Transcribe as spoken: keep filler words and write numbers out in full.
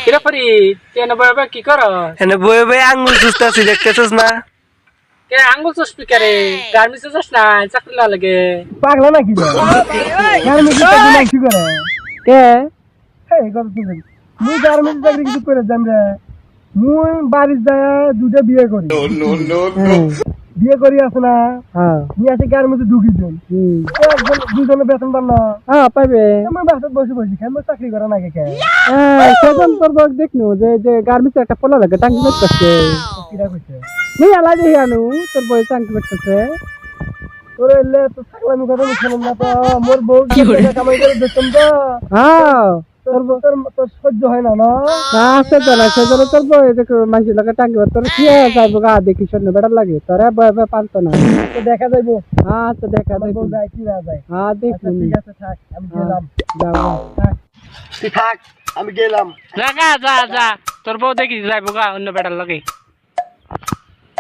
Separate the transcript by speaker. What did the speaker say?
Speaker 1: কিরে ফরি কেন বয়ে কি কর
Speaker 2: এনে বয়ে বয়ে আঙ্গুল চুষতেছি দেখতেছিস না?
Speaker 1: কে আঙ্গুল চুষবি কে রে গার্মেন্টসে যাস না চাকরি না লাগে
Speaker 3: পাগলা নাকি রে গার্মেন্টস চাকরি নাই কি করে
Speaker 1: কে
Speaker 3: এই কথা শুন মুই গার্মেন্টস চাকরি কিছু করে জান রে মুই বাড়ি যায় দুটা বিয়ে করি নো নো নো বিয়ে করি আছে না
Speaker 1: হ্যাঁ
Speaker 3: নিয়ে আসে গার্মেন্টসে ঢুকি দেন একজন দুজনে বেতন পান না
Speaker 1: হ্যাঁ পাইবে
Speaker 3: আমার বাসাত বসে বসে খাই মই চাকরি করা নাকি কে
Speaker 1: সেজন তোর বক দেখনু যে যে গার্মেন্টসে একটা পোলা লাগে টাঙ্কি করতেছে
Speaker 3: কিরা কইছে
Speaker 1: মুই আলা দেখি আনু তোর বই টাঙ্কি করতেছে
Speaker 3: তোর এলে তো থাকলাম কথা শুনুন না তো মোর বউ কি কামাই করে দেখতাম তো
Speaker 1: হ্যাঁ
Speaker 3: তোর তোর তোর সহ্য হয় না না
Speaker 1: না আছে তো না সেজন তোর বই দেখো মাঝে লাগে টাঙ্কি তোর কি যাইব গা দেখি শুনে বেড়া লাগে তোরে বই বই পারতো না
Speaker 3: তো দেখা যাইবো
Speaker 1: হ্যাঁ তো দেখা
Speaker 3: আমার বউ
Speaker 1: দেখি
Speaker 3: যায় কি না যায়
Speaker 1: হ্যাঁ
Speaker 3: আচ্ছা,
Speaker 1: দেখি
Speaker 3: ঠিক আছে থাক আমি গেলাম
Speaker 1: যাও
Speaker 3: থাক তুই থাক আমি গেলাম
Speaker 1: যা যা যা তোর বউ দেখি যাইব গা অন্য বেড়ার লাগে